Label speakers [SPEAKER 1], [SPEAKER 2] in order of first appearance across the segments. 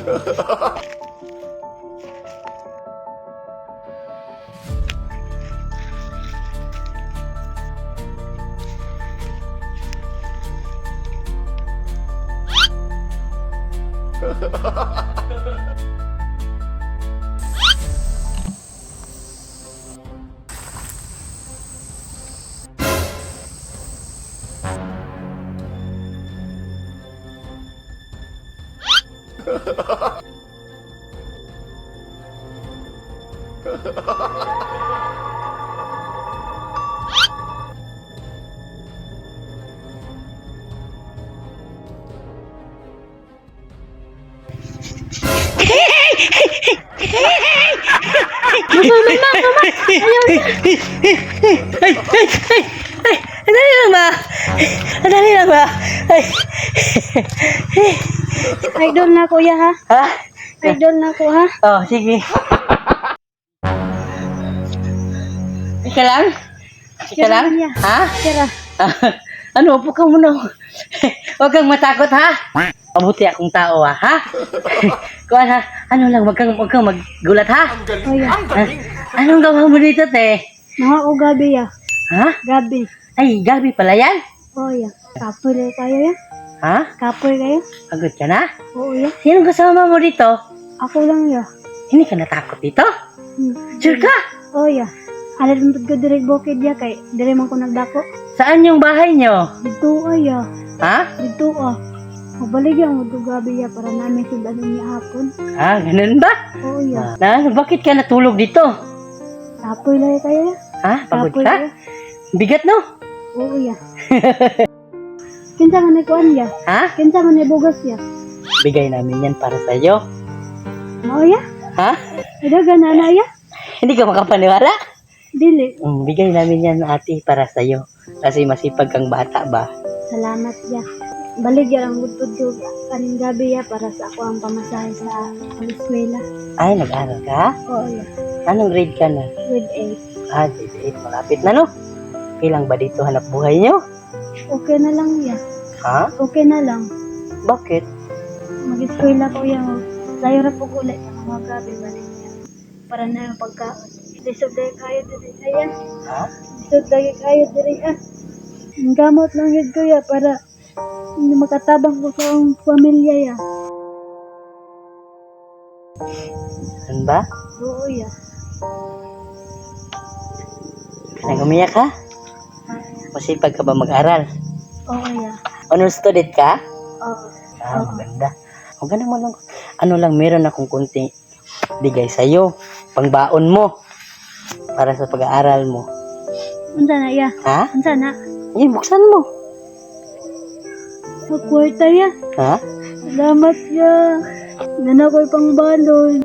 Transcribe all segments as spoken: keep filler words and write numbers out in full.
[SPEAKER 1] Ay, ay, ay, ay, andali lang ba? Andali lang ba? Ay.
[SPEAKER 2] Idol na kuya ha?
[SPEAKER 1] Ha?
[SPEAKER 2] Idol na ko ha?
[SPEAKER 1] Oh, sige. Ika lang? Ika lang?
[SPEAKER 2] Kuya.
[SPEAKER 1] Ha?
[SPEAKER 2] Tira.
[SPEAKER 1] Ano, upo ka muna. Huwag kang matakot, ha? Mabuti akong tao, ha? Ha? Kuan, ha? Ano lang, wag kang, wag kang maggulat, ha?
[SPEAKER 2] Kuya.
[SPEAKER 1] Ha? Anong gawa mo dito, te?
[SPEAKER 2] Mga o gabi ya.
[SPEAKER 1] Ha?
[SPEAKER 2] Gabi.
[SPEAKER 1] Ay, gabi pala yan?
[SPEAKER 2] Oo ya. Kapoy na kayo ya?
[SPEAKER 1] Ha?
[SPEAKER 2] Kapoy kayo?
[SPEAKER 1] Pagod ka na?
[SPEAKER 2] Oo ya.
[SPEAKER 1] Sinong kasama mo dito?
[SPEAKER 2] Ako lang ya.
[SPEAKER 1] Hindi ka natakot dito?
[SPEAKER 2] Hmm.
[SPEAKER 1] Sure ka?
[SPEAKER 2] Oo ya. Alam mo ko direk bukid ya kay dire man ko nagdako.
[SPEAKER 1] Saan yung bahay nyo?
[SPEAKER 2] Dito ay ya.
[SPEAKER 1] Ha?
[SPEAKER 2] Dito ah. Mabalig ya mo to gabi ya para namin sudan niya hapon.
[SPEAKER 1] Ah, ganun ba?
[SPEAKER 2] Oo ya.
[SPEAKER 1] Na, bakit ka natulog dito?
[SPEAKER 2] Kapoy lang kayo ya.
[SPEAKER 1] Ha? Pagod
[SPEAKER 2] Kapoy
[SPEAKER 1] ka?
[SPEAKER 2] ya.
[SPEAKER 1] Bigat, no?
[SPEAKER 2] Oo ya. Kinsa man ni kuan ya?
[SPEAKER 1] Ha?
[SPEAKER 2] Kinsa man ni bugas ya?
[SPEAKER 1] Bigay namin yan para sa'yo.
[SPEAKER 2] Oo ya.
[SPEAKER 1] Ha?
[SPEAKER 2] Dagan na na ya.
[SPEAKER 1] Hindi ka makapaniwala?
[SPEAKER 2] Dili.
[SPEAKER 1] Mm, bigay namin yan, ate, para sa'yo. Kasi masipag kang bata ba?
[SPEAKER 2] Salamat ya. Balik ya ang budbud ko kaning gabi ya para sa ako ang pamasahe sa eskwela.
[SPEAKER 1] Ay, nag-aral ka?
[SPEAKER 2] Oo ya.
[SPEAKER 1] Anong grade ka na?
[SPEAKER 2] Grade eight.
[SPEAKER 1] Ah, grade eight. Malapit na, no? Ilang ba dito hanap buhay nyo?
[SPEAKER 2] Okay na lang ya.
[SPEAKER 1] Ha?
[SPEAKER 2] Okay na lang.
[SPEAKER 1] Bakit?
[SPEAKER 2] Mag-eskwela ko ya. Sayo ra po ulit sa mga gabi balik ya. Para na yung pagkaon. Lisod lagi kayo diri ya.
[SPEAKER 1] Ha?
[SPEAKER 2] Lisod lagi kayo diri ah. Ang gamot lang yun ko ya para hindi makatabang ko sa akong pamilya ya.
[SPEAKER 1] Ano ba?
[SPEAKER 2] Oo ya.
[SPEAKER 1] Nang umiyak ka? Masipag ka ba mag-aral?
[SPEAKER 2] Oo ya.
[SPEAKER 1] Honor student ka?
[SPEAKER 2] Oo.
[SPEAKER 1] Ah, maganda. Maganda mo lang. Ano lang, meron akong kunting bigay sa'yo. Pangbaon mo. Para sa pag-aaral mo.
[SPEAKER 2] Unsa na ya?
[SPEAKER 1] Ha?
[SPEAKER 2] Unsa na?
[SPEAKER 1] Eh, buksan mo.
[SPEAKER 2] Magkwarta ya.
[SPEAKER 1] Ha?
[SPEAKER 2] Salamat ya. Nana ko'y pang balon.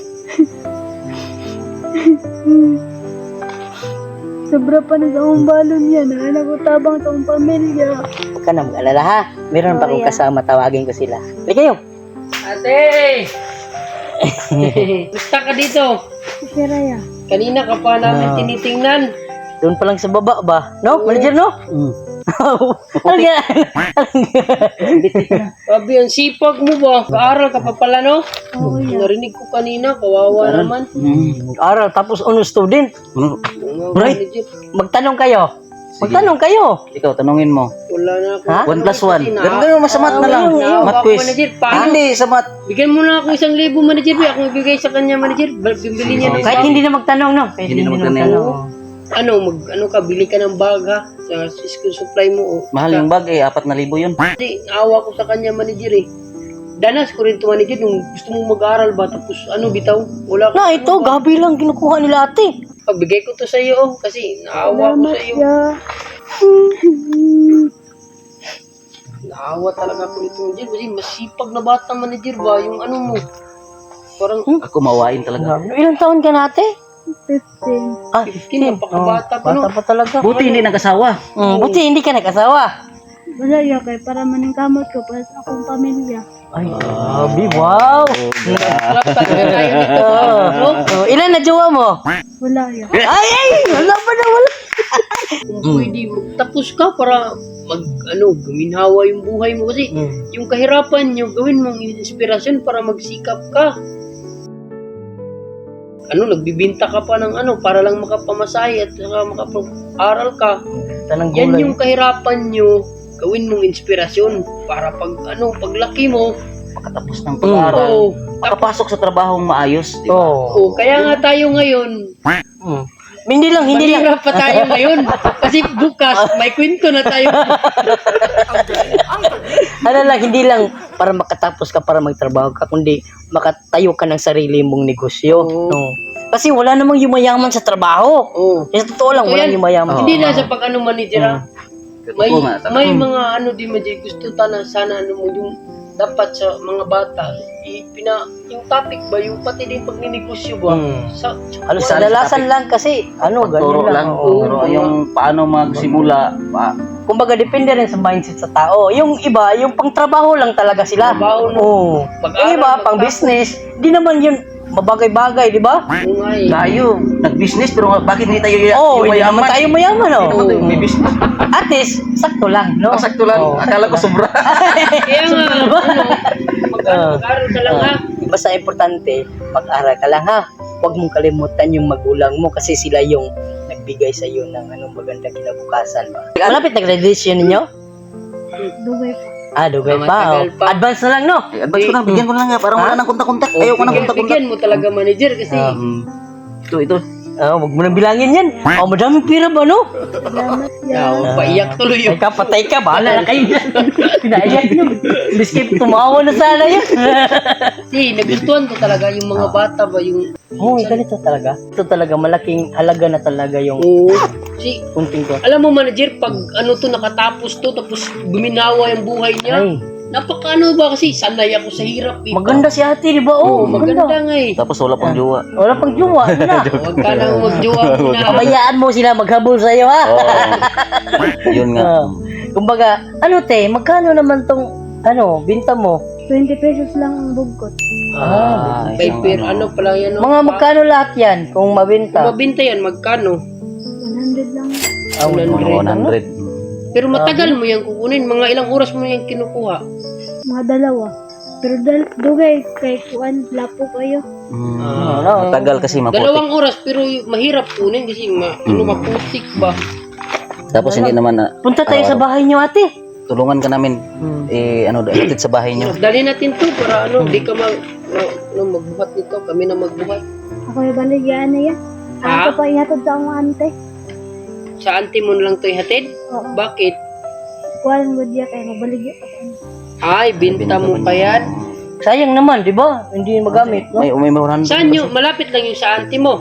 [SPEAKER 2] Sobra pa na sa akong balon yan. Nana ko tabang sa akong pamilya.
[SPEAKER 1] Huwag ka na mag-alala, ha? Meron pa
[SPEAKER 2] Oh,
[SPEAKER 1] akong
[SPEAKER 2] yeah.
[SPEAKER 1] kasama. Tawagin ko sila. Halika kayo.
[SPEAKER 3] Ate! Gusta ka dito?
[SPEAKER 2] Sira ya.
[SPEAKER 3] Kanina ka pa namin
[SPEAKER 1] Ah.
[SPEAKER 3] tinitingnan.
[SPEAKER 1] Doon pa lang sa baba ba? No? Manager, no? Mm. Ano yan?
[SPEAKER 3] Sabi, ang sipag mo ba? Kaaral ka pa pala, no?
[SPEAKER 2] Oo ya.
[SPEAKER 3] Narinig ko kanina, kawawa naman.
[SPEAKER 1] Mm. Aral, tapos honor student.
[SPEAKER 3] Mga
[SPEAKER 1] Right.
[SPEAKER 3] manager,
[SPEAKER 1] Magtanong kayo. Magtanong kayo.
[SPEAKER 4] Ikaw, tanungin mo.
[SPEAKER 3] wala na ako.
[SPEAKER 1] Ha?
[SPEAKER 4] One plus one.
[SPEAKER 3] Kasi
[SPEAKER 4] Ganun
[SPEAKER 3] na-
[SPEAKER 4] ganun, masamat na lang.
[SPEAKER 3] Naawa
[SPEAKER 4] Math
[SPEAKER 3] ako,
[SPEAKER 4] quiz.
[SPEAKER 3] manager.
[SPEAKER 4] Ah,
[SPEAKER 3] Paano?
[SPEAKER 4] hindi, sa math.
[SPEAKER 3] Bigyan mo na ako isang libo, manager. Ako ibigay sa kanya, manager. Bibili niya ng
[SPEAKER 1] Kahit
[SPEAKER 3] bag.
[SPEAKER 1] hindi na magtanong, no? Kahit
[SPEAKER 4] Hindi
[SPEAKER 1] hindi,
[SPEAKER 4] na
[SPEAKER 1] na
[SPEAKER 4] magtanong.
[SPEAKER 1] magtanong.
[SPEAKER 3] Ano, mag, ano ka, bili ka ng bag, ha? Sa school supply mo, oh.
[SPEAKER 4] Mahal yung bag eh, apat na libo yun.
[SPEAKER 3] Kasi awa ko sa kanya, manager, eh. Danas ko rin to, manager, nung gusto mong mag-aaral ba, tapos ano, bitaw? Wala ka.
[SPEAKER 1] Na, ito, gabi lang kinukuha nila ate.
[SPEAKER 3] Pagbigay ko to sa iyo, oh, kasi naawa ko
[SPEAKER 2] Salamat
[SPEAKER 3] sa iyo.
[SPEAKER 2] ya.
[SPEAKER 3] Naawa talaga ako nito, manager. Kasi masipag na bata, manager ba? Yung ano mo. Parang,
[SPEAKER 4] Ako mawain talaga.
[SPEAKER 1] Ilang taon ka na ate?
[SPEAKER 2] fifteen.
[SPEAKER 1] Ah,
[SPEAKER 3] fifteen, napakabata pa, no?
[SPEAKER 1] Bata pa talaga.
[SPEAKER 4] Buti hindi nag-asawa.
[SPEAKER 1] Mm, buti hindi ka nag-asawa.
[SPEAKER 2] Wala ya kay para maning kamot ko para sa akong pamilya.
[SPEAKER 1] Ay, grabe, wow.
[SPEAKER 3] Sarap talaga tayo nito.
[SPEAKER 1] Oh,
[SPEAKER 3] No?
[SPEAKER 1] oh, ilan na jowa mo?
[SPEAKER 2] Wala ya.
[SPEAKER 1] Ay, ay, wala pa na, wala.
[SPEAKER 3] Kung pwede, magtapos ka para mag, ano, guminhawa yung buhay mo. Kasi
[SPEAKER 1] Hmm.
[SPEAKER 3] yung kahirapan nyo, gawin mong inspirasyon para magsikap ka. Ano, nagbibinta ka pa ng ano, para lang makapamasahe at saka makapag-aral ka.
[SPEAKER 1] Tanang
[SPEAKER 3] Yan
[SPEAKER 1] gulay.
[SPEAKER 3] yung kahirapan nyo, gawin mong inspirasyon para pag, ano, paglaki mo,
[SPEAKER 4] Makatapos ng pag-aaral.
[SPEAKER 3] oo,
[SPEAKER 4] Makapasok sa trabahong maayos, di ba?
[SPEAKER 1] Oo.
[SPEAKER 3] oo, kaya nga tayo ngayon,
[SPEAKER 1] Hmm. Hindi lang, hindi lang.
[SPEAKER 3] mahirap pa tayo ngayon. Kasi bukas, may kwento na tayo.
[SPEAKER 1] Ano lang, hindi lang para makatapos ka, para magtrabaho ka, kundi makatayo ka ng sarili mong negosyo.
[SPEAKER 3] Oo.
[SPEAKER 1] No. Kasi wala namang yumayaman sa trabaho.
[SPEAKER 3] Oo.
[SPEAKER 1] Kasi totoo lang,
[SPEAKER 3] So,
[SPEAKER 1] walang
[SPEAKER 3] yan,
[SPEAKER 1] yumayaman.
[SPEAKER 3] Hindi na sa pag ano manager ah. May,
[SPEAKER 4] Totoo nga, talaga.
[SPEAKER 3] may mga ano di mo gusto tana sana ano mo yung dapat sa mga bata ipina yung topic ba yung pati din pagninegosyo ba
[SPEAKER 1] Hmm.
[SPEAKER 3] sa,
[SPEAKER 1] Halos
[SPEAKER 4] Wala
[SPEAKER 1] kadalasan
[SPEAKER 4] sa
[SPEAKER 1] lang kasi, ano,
[SPEAKER 4] Turo
[SPEAKER 1] ganyan lang.
[SPEAKER 4] lang.
[SPEAKER 1] Oo.
[SPEAKER 4] Pero yung paano magsimula, pa,
[SPEAKER 1] Kumbaga, depende rin sa mindset sa tao. Yung iba, yung pang-trabaho lang talaga sila.
[SPEAKER 3] Trabaho, no?
[SPEAKER 1] Oo.
[SPEAKER 3] Pag-aral,
[SPEAKER 1] Yung iba,
[SPEAKER 3] magtapos.
[SPEAKER 1] pang-business, di naman yun mabagay-bagay, di ba?
[SPEAKER 3] yung nga eh.
[SPEAKER 4] tayo, nag-business, pero bakit hindi tayo
[SPEAKER 1] Oo, hindi naman
[SPEAKER 4] yumayaman?
[SPEAKER 1] tayo mayaman, oh.
[SPEAKER 4] Hindi naman tayo may business.
[SPEAKER 1] At least, sakto lang, no?
[SPEAKER 4] Oh, sakto lang.
[SPEAKER 1] Oo.
[SPEAKER 4] Akala ko sobra.
[SPEAKER 3] Kaya nga ano, mag, ano,
[SPEAKER 1] Ah.
[SPEAKER 3] mag-aral ka lang ha.
[SPEAKER 1] Basta importante, mag-aral ka lang, ha? Huwag mong kalimutan yung magulang mo kasi sila yung nagbigay sa iyo ng anong magandang kinabukasan ba. Malapit na graduation ninyo?
[SPEAKER 2] Dugay po.
[SPEAKER 1] Ah, dugay
[SPEAKER 3] Ah,
[SPEAKER 1] pa.
[SPEAKER 3] matagal
[SPEAKER 1] Oh.
[SPEAKER 3] pa.
[SPEAKER 1] Advance na lang, no?
[SPEAKER 4] Eh, advance ko na, bigyan ko na lang nga. Parang
[SPEAKER 1] Ha?
[SPEAKER 4] wala nang kontak-kontak.
[SPEAKER 3] Oh,
[SPEAKER 4] Ayaw ko nang
[SPEAKER 3] bigyan-
[SPEAKER 4] kontak-kontak.
[SPEAKER 3] Bigyan mo talaga manager kasi
[SPEAKER 4] Um, ito, ito.
[SPEAKER 1] Ah, huwag mo nang bilangin yan. Oh, madaming pira ba, no?
[SPEAKER 2] Salamat
[SPEAKER 3] yaw,
[SPEAKER 2] ya.
[SPEAKER 3] paiyak tuloy
[SPEAKER 1] Ay
[SPEAKER 3] yun.
[SPEAKER 1] ka, patay ka. Bahala na kayo dyan. Pinaiyak nyo. Biskip, tumawa na sana yun.
[SPEAKER 3] Kasi nagustuhan ko talaga yung mga bata ba yung
[SPEAKER 1] Oo, oh, ganito talaga. Ito talaga, malaking halaga na talaga yung
[SPEAKER 3] oo. Si
[SPEAKER 1] kunting ko.
[SPEAKER 3] alam mo manager, pag ano to nakatapos to tapos guminawa yung buhay niya.
[SPEAKER 1] Ay,
[SPEAKER 3] Napakaano ba kasi sanay ako sa hirap eh.
[SPEAKER 1] maganda si ate, di ba? Oo,
[SPEAKER 3] Oo, maganda
[SPEAKER 1] maganda.
[SPEAKER 3] nga eh.
[SPEAKER 4] Tapos wala pang jowa.
[SPEAKER 1] Wala pang jowa. Ano na?
[SPEAKER 3] Huwag ka nang magjowa muna.
[SPEAKER 1] Pabayaan mo sila maghabol sa'yo, ha?
[SPEAKER 4] Oo. Yun nga.
[SPEAKER 1] Ah. Kumbaga, ano te, magkano naman tong, ano, binta mo?
[SPEAKER 2] twenty pesos lang ang bugkot.
[SPEAKER 1] Ah,
[SPEAKER 3] May per ano pala yan. no?
[SPEAKER 1] Mga magkano lahat yan kung
[SPEAKER 3] Kung
[SPEAKER 1] mabinta?
[SPEAKER 3] mabinta yan, magkano?
[SPEAKER 2] one hundred lang.
[SPEAKER 1] Ah,
[SPEAKER 3] one hundred.
[SPEAKER 4] one hundred.
[SPEAKER 3] Pero matagal mo yan kukunin. Mga ilang oras mo yan kinukuha.
[SPEAKER 2] Mga dalawa. Pero dal dugay kay kuan lapo kayo.
[SPEAKER 4] Mm,
[SPEAKER 1] Ah,
[SPEAKER 4] matagal kasi maputik.
[SPEAKER 3] Dalawang oras pero mahirap kunin kasi ma, ano,
[SPEAKER 4] Mm.
[SPEAKER 3] maputik ba?
[SPEAKER 4] Tapos hindi naman na
[SPEAKER 1] Punta tayo sa bahay niyo, ate.
[SPEAKER 4] tulungan ka namin. Eh, ano, hatid sa bahay niyo.
[SPEAKER 3] Dali natin to para ano, di ka mag, no, no, magbuhat nito. Kami na magbuhat.
[SPEAKER 2] Ako yung baligyan na yan.
[SPEAKER 3] Ha?
[SPEAKER 2] Ako pa ihatod sa akong ante.
[SPEAKER 3] Sa auntie mo na lang to ihatid?
[SPEAKER 2] Oo.
[SPEAKER 3] Bakit?
[SPEAKER 2] Kuan mo diya kay mabaligya pa ko.
[SPEAKER 3] Ay, binta mo pa yan.
[SPEAKER 1] Sayang naman, di ba? Hindi magamit, no?
[SPEAKER 4] May may one hundred.
[SPEAKER 3] Saan yung, malapit lang yung sa auntie mo?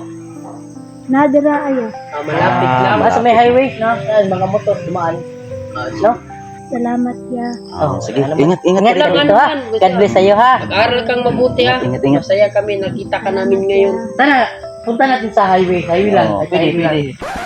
[SPEAKER 2] Nadira ayo.
[SPEAKER 3] Ah, malapit lang.
[SPEAKER 1] Ah, sa may highway, no? Yan, mga motor, dumaan. No?
[SPEAKER 2] Salamat ya.
[SPEAKER 4] Oh, sige.
[SPEAKER 1] Ano ba?
[SPEAKER 4] Ingat, ingat.
[SPEAKER 1] Ingat ka
[SPEAKER 3] Lang,
[SPEAKER 1] dito,
[SPEAKER 3] ano
[SPEAKER 1] ha?
[SPEAKER 3] yan, basta.
[SPEAKER 1] God bless sa'yo, ha?
[SPEAKER 3] Mag-aral kang mabuti ha.
[SPEAKER 4] Ingat, ingat.
[SPEAKER 3] Masaya kami, nakita ka namin ngayon.
[SPEAKER 1] Tara, punta natin sa highway. Highway lang.
[SPEAKER 4] Oh,
[SPEAKER 1] Sa
[SPEAKER 4] pwede,
[SPEAKER 1] highway lang.
[SPEAKER 4] pwede.